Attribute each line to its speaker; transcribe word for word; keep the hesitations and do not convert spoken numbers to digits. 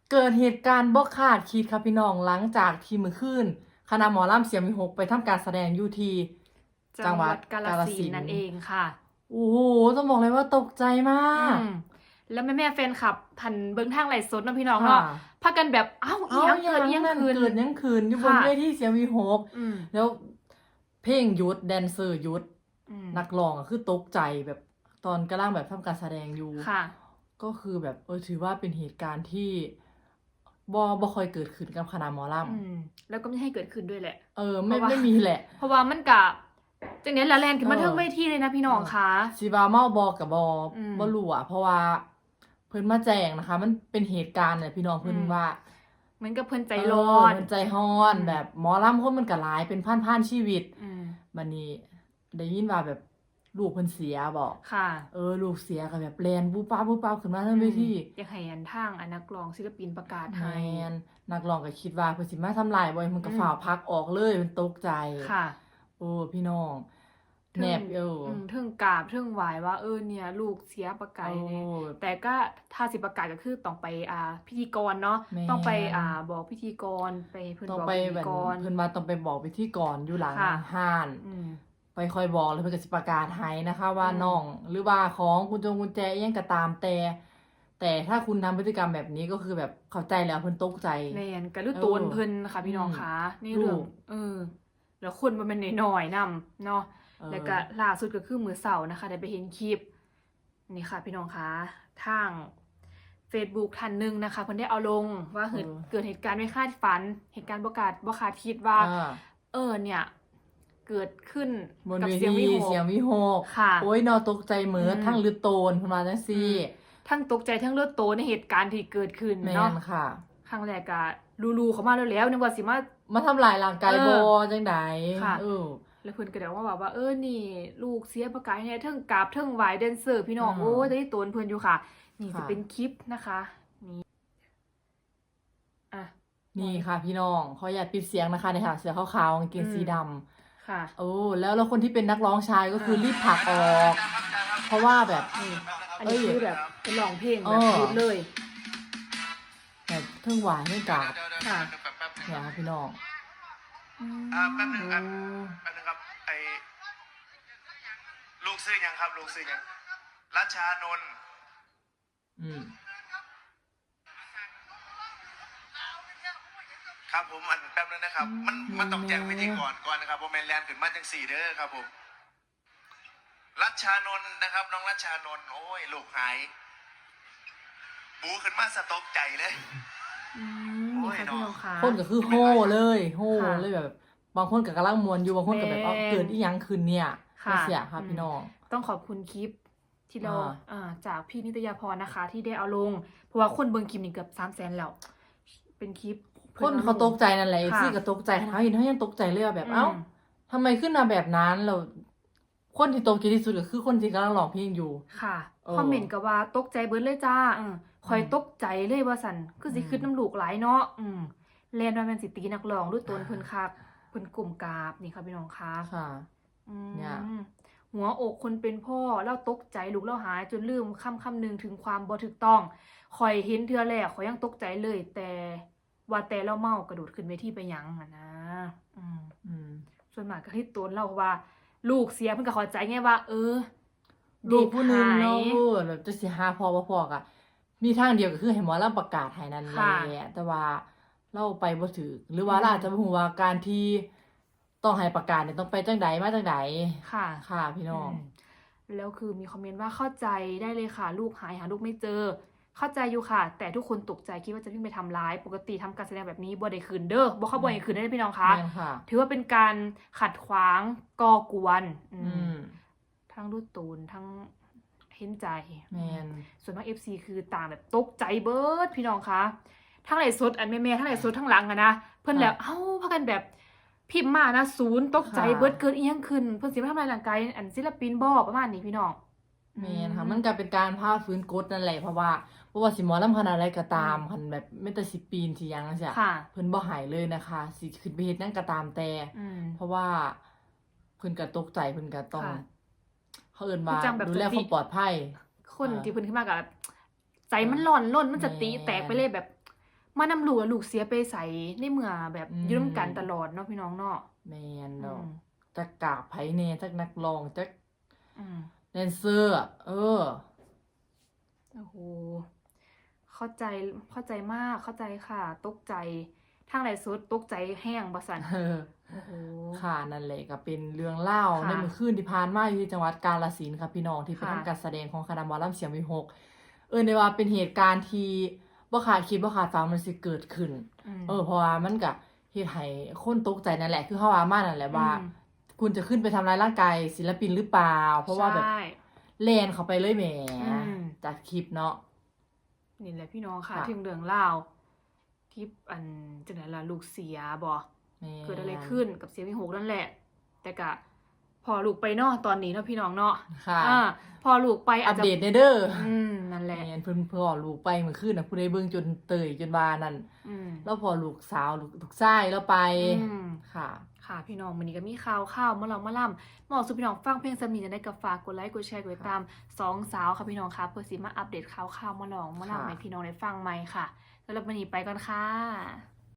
Speaker 1: เกิดเหตุการณ์บ่คาดคิดครับพี่น้องหลังจากที่มื้อคืนคณะหมอลำเสียงวิหกไปทำการแสดงอยู่ที่
Speaker 2: จังหวัดกาฬสินธุ์นั่นเองค่ะ
Speaker 1: โอ้โหต้องบอกเลยว่าตกใจมาก
Speaker 2: อืมแล้วแม่แม่แฟนคลับพันเบิ้งทางไลฟ์สดเนาะพี่น้อง
Speaker 1: ค่ะ
Speaker 2: เนาะพากันแบบเอ้าอี
Speaker 1: เอ้า
Speaker 2: หยัง
Speaker 1: อย่า
Speaker 2: เกิดอี
Speaker 1: ง
Speaker 2: หยัง
Speaker 1: นั้น
Speaker 2: คืน
Speaker 1: เกิดหยังคืนอยู่บน
Speaker 2: ค่ะ
Speaker 1: เวทีเสียงวิหก
Speaker 2: อืม
Speaker 1: แล้วเพลงหยุดแดนเซอร์หยุด
Speaker 2: อืม
Speaker 1: นักร้องอะคือตกใจแบบตอนกำลังแบบทำการแสดงอยู่
Speaker 2: ค่ะ
Speaker 1: ก็คือแบบเออถือว่าเป็นเหตุการณ์ที่บ่บ่ค่อยเกิดขึ้นกับคณะหมอล
Speaker 2: อืมแล้วก็ไม่ให้เกิดขึ้นด้วยแหละ
Speaker 1: ำเออไม่
Speaker 2: เพราะว่า
Speaker 1: ไม่มีแหละ
Speaker 2: เพราะว่ามันกะจังเนี้ยละแลนขึ้นมา
Speaker 1: เออ
Speaker 2: เทิงเวทีเลยนะพี่น้องคะ
Speaker 1: สิว่าเมาบอกกับบอ
Speaker 2: อืม
Speaker 1: บ่รู้อ่ะเพราะว่าเพิ่นมาแจ้งนะคะ มันเป็นเหตุการณ์เนี่ยพี่น้องเพิ่น
Speaker 2: อืม
Speaker 1: ว่า
Speaker 2: เหมือนกับเพิ่นใจ
Speaker 1: เ
Speaker 2: ร้อน
Speaker 1: เพิ่นใจร้อน
Speaker 2: อืม
Speaker 1: แบบหมอลำคนมันก็หลายเป็นพันๆชีวิต
Speaker 2: อืม
Speaker 1: บัดนี้ได้ยินว่าแบบลูกเพิ่นเสียบ่
Speaker 2: ค่ะ
Speaker 1: เออลูกเสียก็แบบแล่นบูป๊าบบูป๊าบขึ้นมาเทิงเวที
Speaker 2: อยากให้อันทางอันนักร้องศิลปินประกาศ
Speaker 1: แม
Speaker 2: ให้
Speaker 1: นนักร้องก็คิดว่าเพิ่นสิมาทำลายบ่มันก็
Speaker 2: อืม
Speaker 1: ฝ่าวพักออกเลยมันตกใจ
Speaker 2: ค่ะ
Speaker 1: โอ้พี่น้องแนบเออ
Speaker 2: อืมเทิงกราบเทิงไหวว่าเออเนี่ย ลูกเสียประกาศเนี่ย
Speaker 1: โอ้
Speaker 2: แต่ก็ถ้าสิประกาศก็คือต้องไปอ่าพิธีกรเนาะ
Speaker 1: แม่น
Speaker 2: ต้องไปอ่าบอกพิธีกรไปเพิ่น
Speaker 1: ต้อง
Speaker 2: บอก
Speaker 1: ไป
Speaker 2: พิ
Speaker 1: แบ
Speaker 2: ธี
Speaker 1: บ
Speaker 2: กร
Speaker 1: เพิ่นมาต้องไปบอกพิธีกรอยู่หลัง
Speaker 2: ค่ะ
Speaker 1: ห้าน
Speaker 2: อืม
Speaker 1: ไปคอยบอกแล้วเพิ่นก็สิประกาศให้นะคะว่า
Speaker 2: อืม
Speaker 1: น้อง หรือว่าของกุญจงกุญแจอิหยังก็ตามแต่ แต่ถ้าคุณทำพฤติกรรมแบบนี้ก็คือแบบเข้าใจแล้วเพิ่นตกใจ
Speaker 2: แม่นก็รู้
Speaker 1: เออ
Speaker 2: ตัวเพิ่นค่ะพี่น้อง
Speaker 1: อืม
Speaker 2: คะนี่เรื่อง
Speaker 1: ลูก
Speaker 2: เออ แล้วคนมันเป็นน้อยๆนำเนาะ
Speaker 1: เออ
Speaker 2: แล้วก็ล่าสุดก็คือมื้อเสาร์นะคะได้ไปเห็นคลิปนี่ค่ะพี่น้องคะทาง Facebook ท่านหนึงนะคะเพิ่นได้เอาลงว่าเกิดเกิดเหตุการณ์ไม่คาดฝัน เหตุการณ์บ่คาดบ่คาดคิดว่า
Speaker 1: อ่า
Speaker 2: เออเนี่ย เกิดขึ้น
Speaker 1: บน
Speaker 2: กับ
Speaker 1: เว
Speaker 2: เสียง
Speaker 1: ที
Speaker 2: วิหก
Speaker 1: เสียงวิหก
Speaker 2: ค่ะ
Speaker 1: โอ้ยนอตกใจเหมือ
Speaker 2: อืม
Speaker 1: ทั้งลือโตนเพิ่นว่าจังซี่
Speaker 2: ทั้งตกใจทั้งเลือดโตในเหตุการณ์ที่เกิดขึ้น
Speaker 1: แม่
Speaker 2: เนาะ
Speaker 1: นค่ะ
Speaker 2: ครั้งแรกก็ลูๆเขามาแล้วแล้วนึกว่าสิมา
Speaker 1: มาทำลายร่างกาย
Speaker 2: เออ
Speaker 1: บ่จังได๋
Speaker 2: ค่ะ
Speaker 1: เออ
Speaker 2: แล้วเพิ่นก็เดี๋ยวว่าแบบว่าเออนี่ ลูกเสียประกายเนี่ยเทิงกราบเทิงไหวแดนเซอร์พี่น้อง
Speaker 1: อืม
Speaker 2: โอ้ยได้ตัวเพิ่นอยู่ค่ะ นี่
Speaker 1: ค่ะ
Speaker 2: จะเป็นคลิปนะคะนี่อ่ะ
Speaker 1: นี่ค่ะพี่น้องขออย่าตปิดเสียงนะคะเนี่ยค่ะเสื้อขาวๆกางเกง
Speaker 2: อืม
Speaker 1: สีดำ
Speaker 2: ค่ะ
Speaker 1: โอ้แล้วแล้วคนที่เป็นนักร้องชายก็คือ
Speaker 2: อ่า
Speaker 1: รีบผลักออก เพราะว่าแบบ
Speaker 2: นี่อันนี้
Speaker 1: เอ้ย
Speaker 2: คือแบบเป็นร้องเพลง
Speaker 1: เอ
Speaker 2: แบบ
Speaker 1: อ
Speaker 2: พูดเลย
Speaker 1: แบบเทิงหวานเทิงกราบ
Speaker 2: ค่ะ
Speaker 1: เนี่ยค่ะพี่น้อง
Speaker 3: อ่าแป๊บนึง
Speaker 1: โอ้
Speaker 3: ครับแป๊บนึงครับไอลูกซื้อยังครับ ลูกซื้อยังรัชชานนท์
Speaker 1: อืม
Speaker 3: ครับผมอันแป๊บนึงนะครับ มันมันต้องแจ้งพิธีกรก่อนนะครับผมแมนแลนด์ขึ้นมาจังสี่เด้อครับผมรัชชานนท์นะครับ น้องรัชชานนท์โอ้ยลูกหาย บูขึ้นมาสะตกใจเลย
Speaker 2: อืมนี่ค่ะพี่น้องค่ะ
Speaker 1: คนก็คือโห่เลยโห่
Speaker 2: ค่ะ
Speaker 1: เลยแบบ บางคนก็กำลังมวนอยู่บางคนก็แบบ
Speaker 2: แม่
Speaker 1: เอาเกิดอีหยังขึ้นเนี่ย
Speaker 2: ค่ะ
Speaker 1: เสียค่ะ
Speaker 2: อืม
Speaker 1: พี่น้อง
Speaker 2: ต้องขอบคุณคลิปที่เรา
Speaker 1: อ่า
Speaker 2: อ่าจากพี่นิตยาพรนะคะ ที่ได้เอาลง เพราะว่าคนเบิ่งคลิปนี่เกือบสามแสนแล้ว เป็นคลิป
Speaker 1: คนเขาตกใจนั่นแหละ
Speaker 2: ค่ะ
Speaker 1: ซี่ก็ตกใจเขาเห็นเขายังตกใจเลยอะแบบ
Speaker 2: อืม
Speaker 1: เอ้าทำไมขึ้นมาแบบนั้นเราคนที่ตกใจที่สุดก็คือคนที่กำลังร้องเพลงอยู่
Speaker 2: ค่ะ
Speaker 1: เออ
Speaker 2: คอมเมนต์ก็ว่าตกใจเบิดเลยจ้าอืมคอย
Speaker 1: อืม
Speaker 2: ตกใจเลยว่าสันคือสิ
Speaker 1: อืม
Speaker 2: ขึ้นน้ำลูกหลายเนาะอืมแลนว่าแม่นสิตีนักร้องด้วยตนเพิ่นคักเพิ่นกลุ่มกราบนี่ค่ะพี่น้องคะ
Speaker 1: ค่ะ
Speaker 2: อืม
Speaker 1: เนี่ย
Speaker 2: หัวอกคนเป็นพ่อแล้วตกใจลูกแล้วหายจนลืมคำคำหนึ่งถึงความบ่ถูกต้องคอยเห็นเทื่อแรกคอยยังตกใจเลย แต่ว่าแต่เราเมากระโดดขึ้นเวทีไปหยังอะนะอืม
Speaker 1: อืม
Speaker 2: ส่วนมากก็ที่ตนเล่าว่า ลูกเสียเพิ่นก็เข้าใจไงว่า เออ
Speaker 1: ลูกผู้หนึง
Speaker 2: หาย
Speaker 1: เนาะพูดแบบจะสิหาพอบ่พอกะมีทางเดียวก็คือให้หมอลำประกาศให้นั่นแห
Speaker 2: ค่ะ
Speaker 1: ละแต่ว่าเราไปบ่ถึกหรือว่า
Speaker 2: อืม
Speaker 1: เราอาจจะบ่ฮู้ว่าการที่ต้องให้ประกาศเนี่ยต้องไปจังใดมาจังใด
Speaker 2: ค่ะ
Speaker 1: ค่ะพี่น้อง
Speaker 2: มแล้วคือมีคอมเมนต์ว่าเข้าใจได้เลยค่ะ ลูกหายหาลูกไม่เจอ เข้าใจอยู่ค่ะ แต่ทุกคนตกใจคิดว่าจะวิ่งไปทำร้าย ปกติทำการแสดงแบบนี้บ่ได้คืนเด้อบ่เข้าบ่ได้คืนได้อพี่น้องคะ
Speaker 1: แม่นค่ะ
Speaker 2: ถือว่าเป็นการขัดขวางก่อกวนอื
Speaker 1: อื
Speaker 2: ม
Speaker 1: ม
Speaker 2: ทั้งรูดตูนทั้งเห็นใจ
Speaker 1: แม่น
Speaker 2: ส่วนมาก เอฟ ซี คือต่างแบบตกใจเบิดพี่น้องคะทั้งไหลฟ์สดอันแม่ๆทั้งไหลฟ์สดทั้งหลังอะนะเพิ่นแล้วเอ้าพากันแบบพิมพ์มานะศูนย์ตกใจเบิดเกิดอีหยังขึ้นเพิ่นสิมาทำลายร่างกายอันศิลปินบ่ประมาณนี้พี่น้อง
Speaker 1: แม่นค่ะมันก็เป็นการพาฟื้นกฎนั่นแหละเพราะว่าเพราะว่าสิหมอลำขนาดใดก็ตามคันแบบแม้แต่สิปีนสิหยังจังซี่
Speaker 2: ค่ะ
Speaker 1: เพิ่นบ่หายเลยนะคะสิขึ้นไปเฮ็ดหยังก็ตามแต่
Speaker 2: อืม
Speaker 1: เพราะว่าเพิ่นก็ตกใจเพิ่นก็ต้อง
Speaker 2: ค่ะ
Speaker 1: เขาเอิ้นว่า
Speaker 2: คือจังแบบ
Speaker 1: ดูแล
Speaker 2: สติ
Speaker 1: ความปลอดภัย
Speaker 2: คน
Speaker 1: อ่า
Speaker 2: ที่เพิ่นขึ้นมากับใจมันร้อนล้นมันสติ
Speaker 1: แม่
Speaker 2: แตกไปเลยแบบมานำลูกแล้วลูกเสียไปใส่ในเมื่อแบบ
Speaker 1: อืม
Speaker 2: อยู่ร่วมกันตลอดเนาะพี่น้องเนาะ
Speaker 1: แม่น
Speaker 2: อื
Speaker 1: ดอก
Speaker 2: ม
Speaker 1: จักกากไผแหน่จักนักร้องจัก
Speaker 2: อืม
Speaker 1: แดนเซอร์อะเออ
Speaker 2: โอ้โหเข้าใจเข้าใจมากเข้าใจค่ะ ตกใจทางไหนสุดตกใจแห้งบ่สั่น
Speaker 1: เออ
Speaker 2: โอ้โห
Speaker 1: ค่ะนั่นแหละก็เป็นเรื่องเล่าว
Speaker 2: ค่ะ
Speaker 1: ในมื้อคืนที่ผ่านมาอยู่ที่จังหวัดกาฬสินธุ์ค่ะพี่น้องที่ไป
Speaker 2: ค่ะ
Speaker 1: ทำการแสดงของคณะหมอลำเสียงวิหก เออในว่าเป็นเหตุการณ์ที่บ่คาดคิดบ่คาดฝันมันสิเกิดขึ้น
Speaker 2: ม
Speaker 1: เออเพราะว่ามันก็เฮ็ดให้คนตกใจนั่นแหละคือเฮาว่ามานั่นแหละว่า
Speaker 2: อืม
Speaker 1: คุณจะขึ้นไปทำร้ายร่างกายศิลปินหรือเปล่า เพราะว่าแบบ
Speaker 2: ใช่
Speaker 1: แล่นเข้าไปเลยแหม
Speaker 2: อืม
Speaker 1: จากคลิปเนาะ
Speaker 2: นี่แหละพี่น้องค่ะ
Speaker 1: ค่ะ
Speaker 2: ถึงเรื่องเล่าวที่อันจังได๋ล่ะลูกเสียบ่
Speaker 1: แม่น
Speaker 2: เกิดอะไรขึ้นกับเสียงวิหกนั่นแหละ แต่ก็พอลูกไปเนาะตอนนี้เนาะพี่น้องเนาะ
Speaker 1: ค่ะ
Speaker 2: อ่าพอลูกไป
Speaker 1: อั
Speaker 2: อา
Speaker 1: ป
Speaker 2: จจะ
Speaker 1: เดตเด้อ
Speaker 2: อืมนั่นแหละ
Speaker 1: แม่นเพิ่นเพิ่นออกลูกไปเมื่อคืนน่ะผู้ใดเบิ่งจนเตยจนว่านั่น
Speaker 2: อืม
Speaker 1: แล้วพอลูกสาวลูกลูกชายแล้วไป
Speaker 2: อืม
Speaker 1: ค่ะ
Speaker 2: ค่ะพี่น้องวันนี้ก็มีข่าวข่าวมาลองมาล่ำมาบอกสู่พี่น้องฟังเพลงสมีจะได้กับฝากกดไลค์กดแชร์กดติดตามสองสาวค่ะพี่น้องค่ะเพื่อสิมาอัปเดตข่าวข่าวมาลองมา
Speaker 1: ค่ะ
Speaker 2: ล่ำให้พี่น้องได้ฟังใหม่ค่ะสำหรับวันนี้ไปก่อนค่ะ